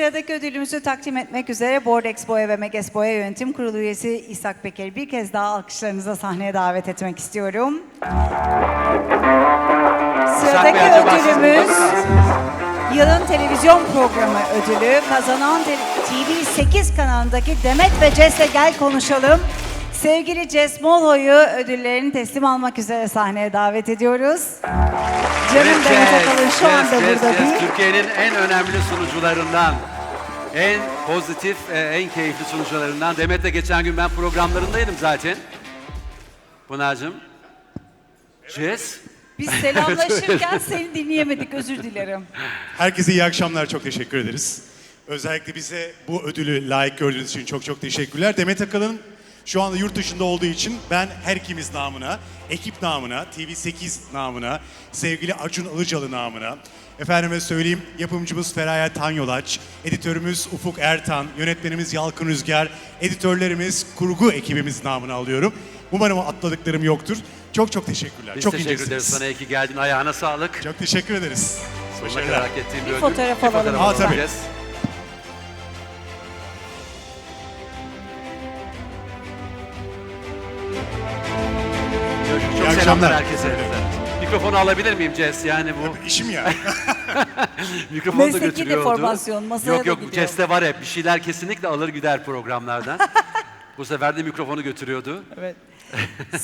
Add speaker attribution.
Speaker 1: sıradaki ödülümüzü takdim etmek üzere Board Expo'ya ve Meg Expo'ya Yönetim Kurulu üyesi İshak Peker'i bir kez daha alkışlarınıza sahneye davet etmek istiyorum. Sıradaki ödülümüz yılın televizyon programı ödülü. Kazanan TV8 kanalındaki Demet ve Ces'le Gel Konuşalım. Sevgili Ces Molho'yu ödüllerini teslim almak üzere sahneye davet ediyoruz. Canım Demet Akalın şu anda burada değil.
Speaker 2: Türkiye'nin en önemli sunucularından, en pozitif, en keyifli sunucularından. Demet'le geçen gün ben programlarındaydım zaten. Pınar'cığım. Ces.
Speaker 1: Biz selamlaşırken seni dinleyemedik, özür dilerim.
Speaker 3: Herkese iyi akşamlar, çok teşekkür ederiz. Özellikle bize bu ödülü layık gördüğünüz için çok çok teşekkürler. Demet Akalın şu anda yurt dışında olduğu için ben her ikimiz namına, ekip namına, TV8 namına, sevgili Acun Ilıcalı namına, efendime söyleyeyim yapımcımız Feraye Tanyolaç, editörümüz Ufuk Ertan, yönetmenimiz Yalkın Rüzgar, editörlerimiz, kurgu ekibimiz namına alıyorum. Umarım atladıklarım yoktur. Çok çok teşekkürler.
Speaker 2: Biz
Speaker 3: çok
Speaker 2: teşekkür ederiz sana, iyi ki geldin. Ayağına sağlık.
Speaker 3: Çok teşekkür ederiz.
Speaker 2: Sonuna kadar hak ettiğin bir ödül.
Speaker 1: Fotoğraf alalım.
Speaker 3: Aa, tabii.
Speaker 2: alacağız. Çok
Speaker 3: İyi
Speaker 2: selamlar
Speaker 3: akşamlar.
Speaker 2: herkese. Mikrofonu alabilir miyim Ces? Yani bu
Speaker 3: İşim ya.
Speaker 2: mikrofonu da
Speaker 1: Mesleki
Speaker 2: götürüyordu.
Speaker 1: deformasyon, masaya
Speaker 2: Yok
Speaker 1: da
Speaker 2: yok, bu
Speaker 1: gidiyor.
Speaker 2: Ces'te var hep. Bir şeyler kesinlikle alır gider programlardan. Bu sefer de mikrofonu götürüyordu.
Speaker 1: Evet.